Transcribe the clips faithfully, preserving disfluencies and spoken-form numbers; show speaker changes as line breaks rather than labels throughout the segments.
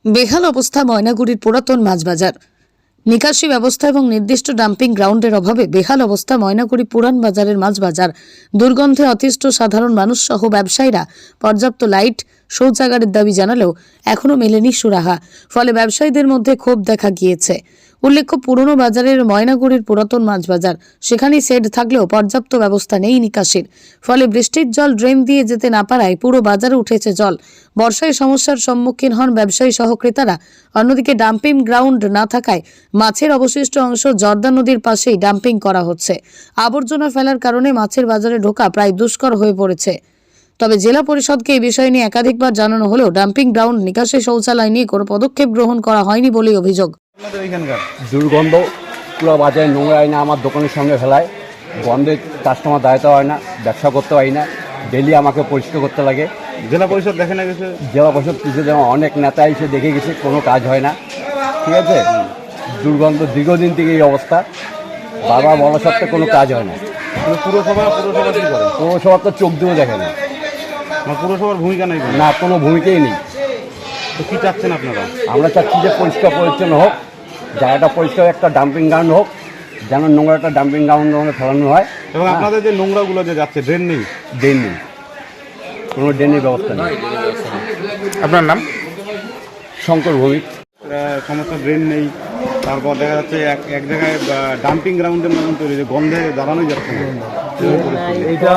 বেহাল অবস্থা ময়নাগুড়ির পুরাতন মাছ বাজার। নিকাশি ব্যবস্থা এবং নির্দিষ্ট ডাম্পিং গ্রাউন্ডের অভাবে বেহাল অবস্থা ময়নাগুড়ি পুরান বাজারের মাছ বাজার। দুর্গন্ধে অতিষ্ঠ সাধারণ মানুষ সহ ব্যবসায়ীরা পর্যাপ্ত লাইট, শৌচাগারের দাবি জানালেও এখনও মেলেনি সুরাহা। ফলে ব্যবসায়ীদের মধ্যে ক্ষোভ দেখা গিয়েছে। উল্লেখ্য, পুরনো বাজারের ময়নাগুড়ির পুরাতন মাছ বাজার, সেখানে শেড থাকলেও পর্যাপ্ত ব্যবস্থা নেই নিকাশির। ফলে বৃষ্টির জল ড্রেন দিয়ে যেতে না পারায় পুরো বাজারে উঠেছে জল। বর্ষায় সমস্যার সম্মুখীন হন ব্যবসায়ী সহ ক্রেতারা। অন্যদিকে ডাম্পিং গ্রাউন্ড না থাকায় মাছের অবশিষ্ট অংশ জর্দা নদীর পাশেই ডাম্পিং করা হচ্ছে। আবর্জনা ফেলার কারণে মাছের বাজারে ঢোকা প্রায় দুষ্কর হয়ে পড়েছে। তবে জেলা পরিষদকে এই বিষয় নিয়ে একাধিকবার জানানো হলেও ডাম্পিং গ্রাউন্ড, নিকাশি শৌচালয় নিয়ে কোনো পদক্ষেপ গ্রহণ করা হয়নি বলেই অভিযোগ।
দুর্গন্ধ, পুরো বাজারে নোংরা হয় না, আমার দোকানের সামনে ফেলায়, গন্ধে কাস্টমার দাঁড়াতে হয় না, ব্যবসা করতে পারি না, ডেলি আমাকে পরিষ্কার করতে লাগে।
জেলা পরিষদ দেখে না গেছে,
জেলা পরিষদ কিছু যেমন অনেক নেতা এসে দেখে গেছে, কোনো কাজ হয় না। ঠিক আছে, দুর্গন্ধ দীর্ঘদিন থেকে এই অবস্থা, বাবা বলা সত্ত্বেও কোনো কাজ হয় না।
পুরসভা পুরসভা কি করে?
পৌরসভার তো চোখ দিয়েও দেখে না,
মানে পুরসভার ভূমিকা নেই
না, কোনো ভূমিকাই নেই।
তো কি চাচ্ছেন আপনারা?
আমরা চাচ্ছি যে পরিষ্কার পরিচ্ছন্ন হোক, জায়গাটা পরিষ্কার, একটা ডাম্পিং গ্রাউন্ড হোক, যেন নোংরাটা ডাম্পিং গ্রাউন্ড ফেলানো হয়।
এবং আপনাদের যে নোংরাগুলো যে যাচ্ছে, ড্রেন নেই?
ড্রেন নেই, কোনো ড্রেনের ব্যবস্থা নেই।
আপনার নাম?
শঙ্কর ভৌমিক।
সমস্যা, ড্রেন নেই, তারপর দেখা যাচ্ছে এক এক জায়গায় ডাম্পিং গ্রাউন্ডের মতন তৈরি, গন্ধে দাঁড়ানোই যাচ্ছে না।
এইটা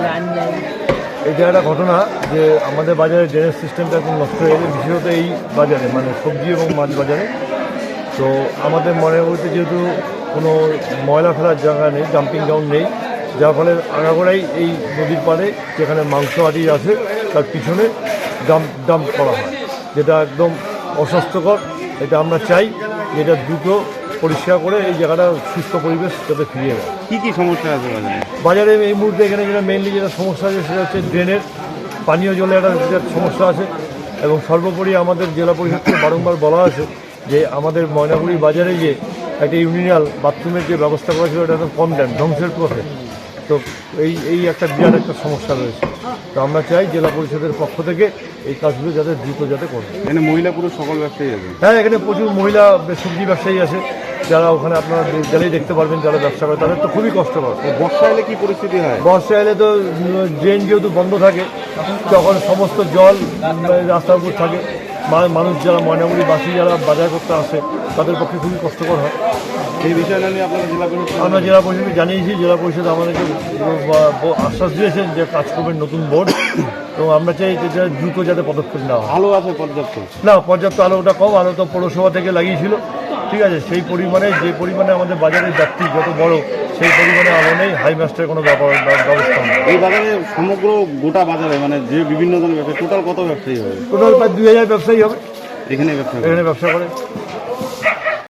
এটা একটা ঘটনা যে আমাদের বাজারে ড্রেনেজ সিস্টেমটা এখন নষ্ট হয়ে গেছে, বিশেষত এই বাজারে, মানে সবজি এবং মাছ বাজারে। তো আমাদের মনে করতে যেহেতু কোনো ময়লা ফেলার জায়গা নেই, ডাম্পিং গ্রাউন্ড নেই, যার ফলে আগাগোড়াই এই নদীর পাড়ে যেখানে মাংস আদি আছে তার পিছনে ডাম্প ডাম্প করা হয়, যেটা একদম অস্বাস্থ্যকর। এটা আমরা চাই যে এটা দ্রুত পরিষ্কার করে এই জায়গাটা সুস্থ পরিবেশ যাতে ফিরিয়ে দেয়।
কী কী সমস্যা আছে বাজারে?
বাজারে এই মুহূর্তে এখানে যেটা মেইনলি যেটা সমস্যা আছে সেটা হচ্ছে ড্রেনের, পানীয় জলের একটা সমস্যা আছে। এবং সর্বোপরি আমাদের জেলা পরিষদকে বারংবার বলা আছে যে আমাদের ময়নাগুড়ি বাজারে যে একটা ইউনিয়নাল বাথরুমের যে ব্যবস্থা করা ছিল, এটা তো কমপ্লেন ধ্বংসের পথে। তো এই এই একটা বিরাট একটা সমস্যা রয়েছে। তো আমরা চাই জেলা পরিষদের পক্ষ থেকে এই কাজগুলো যাতে দ্রুত যাতে করবে।
এখানে মহিলা পুরুষ সকল ব্যবসায়ী আছে?
হ্যাঁ, এখানে প্রচুর মহিলা সবজি ব্যবসায়ী আছে, যারা ওখানে আপনারা গেলেই দেখতে পারবেন, যারা ব্যবসা করে তাদের তো খুবই কষ্টকর।
বর্ষা এলে কি পরিস্থিতি হয়?
বর্ষা এলে তো ড্রেন যেহেতু বন্ধ থাকে, তখন সমস্ত জল রাস্তার উপর থাকে। মানুষ যারা ময়নাগুড়ি বাসী যারা বাজার করতে আসে তাদের পক্ষে খুবই কষ্টকর হয়।
সেই বিষয়টা নিয়ে আপনারা জেলা পরিষদ?
আমরা জেলা পরিষদকে জানিয়েছি, জেলা পরিষদ আমাদেরকে আশ্বাস দিয়েছেন যে কাজ করবেন নতুন বোর্ড। তো আমরা চাই যে দ্রুত যাতে পদক্ষেপ নেওয়া হয়।
আলো আছে পর্যাপ্ত?
না, পর্যাপ্ত আলোটা কম, আলো তো পৌরসভা থেকে লাগিয়েছিল, ঠিক আছে। সেই পরিমাণে যে পরিমাণে আমাদের বাজারের ব্যাপ্তি যত বড়, সেই পরিমাণে আলো নেই, হাই মাস্টারের কোনো ব্যবস্থা নেই।
এই বাজারে সমগ্র গোটা বাজারে মানে যে বিভিন্ন ধরনের ব্যবসায়ী, টোটাল কত ব্যবসায়ী হবে?
টোটাল প্রায় দুই হাজার ব্যবসায়ী হবে
এখানে ব্যবসা
এখানে ব্যবসা করে।